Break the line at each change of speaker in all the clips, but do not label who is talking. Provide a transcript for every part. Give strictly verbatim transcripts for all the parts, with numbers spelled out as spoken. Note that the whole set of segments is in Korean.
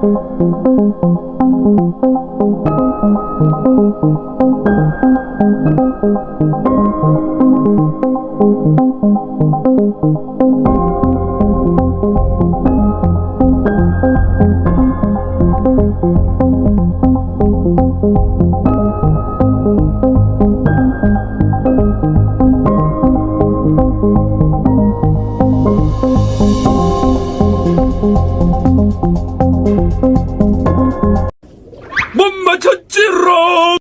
못 맞췄지롱.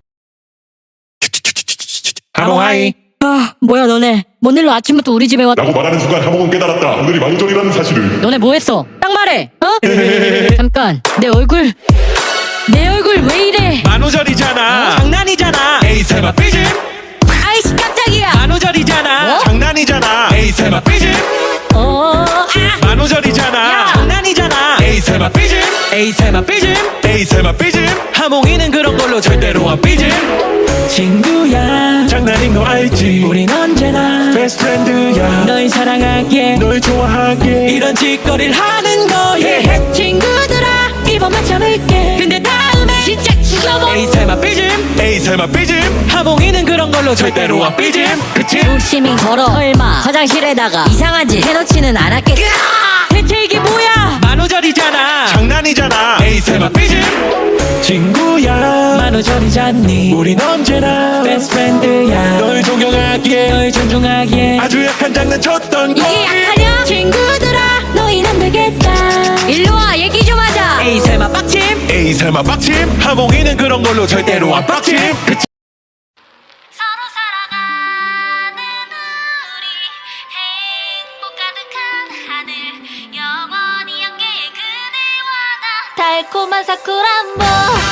하몽하이.
아, 뭐야 너네. 뭔 일로 아침부터 우리 집에 왔...
라고 말하는 순간 하몽은 깨달았다. 오늘이 망절이라는 사실을.
너네 뭐 했어? 딱 말해. 어? 잠깐. 내 얼굴. 내 얼굴 왜 이래?
만우절이잖아. 장난이잖아. 에이 설마 삐짐.
아이씨 깜짝이야.
만우절이잖아.
뭐?
장난이잖아. 에이 설마 삐짐.
어... 아!
만우절이잖아.
야!
장난이잖아. 에이 설마 삐짐. 에이 설마 삐짐. 에이 설마 삐짐. 하몽이는 그런 걸로 절대로 안 삐짐. 친구야 장난인 거 알지. 우린 언제나 베스트 프렌드야. 널 사랑하게 널 좋아하게 이런 짓거리를 하는 거야. yeah.
친구들아 이번만 참을게. 근데 다음에 진짜 죽여버.
에이 설마 삐짐. 에이 설마 삐짐. 하몽이는 그런 걸로 절대로 안 삐짐. 그치?
조심히 걸어. 설마 화장실에다가 이상한 짓 해놓지는 않았겠지. 대체 이게 뭐야?
만우절이잖아. 장난이잖아. 에이 설마 삐짐. 친구야 만우절이잖니. 우린 언제나 베스트 프렌드야. 널 존경하기에 널 존중하기에 아주 약한 장난 쳤던 거.
이게 약하냐? 친구들아 너희는 안 되겠다. 일로와 얘기 좀 하자.
에이 설마 빡침. 에이 설마 빡침. 하몽이는 그런 걸로 절대로 안 빡침. 그치?
서로 살아가는 우리 행복 가득한 하늘 영원히 함께해 그대와 나 달콤한 사쿠란보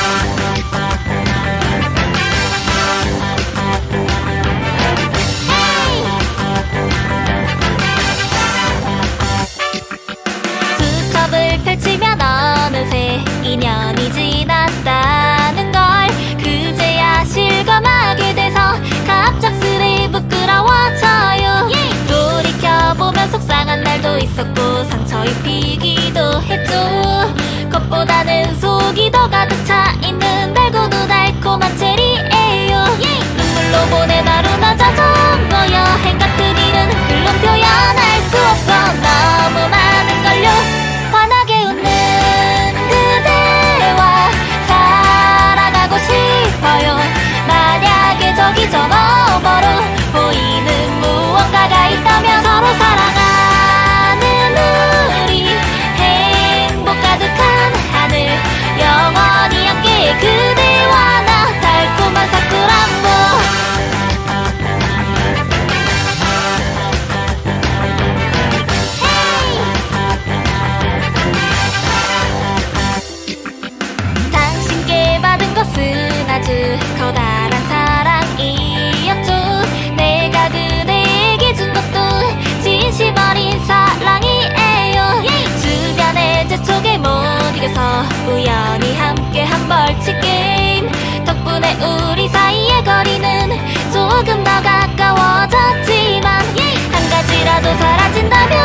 수첩을 펼치면 어느새 이 년이 지났다는 걸 그제야 실감하게 돼서 갑작스레 부끄러워져요. 돌이켜보면 속상한 날도 있었고 상처 입히기도 했죠. 겉보다는 속이 더 가득 차 있는 달고도 달콤한 체리예요. 눈물로 보낸 하루나 자전거 여행 같은 일은 글로 표현할 수 없어. 너무 많은 걸요. 환하게 웃는 그대와 살아가고 싶어요. 만약에 저기 저 너머로 보이는 무언가가 있다면 서로 사랑하는 우리 행복 가득한 하늘 영원히 함께 그대와 나 달콤한 사쿠란보 당신께 받은 것은 아주 커다란 사랑이었죠. 내가 그대에게 준 것도 진심 어린 사랑이에요. 주변의 재촉에 못 이겨서 우연히 함께 한 벌칙 게임 덕분에 우리 사이의 거리는 조금 더 가까워졌지만 한 가지라도 사라진다면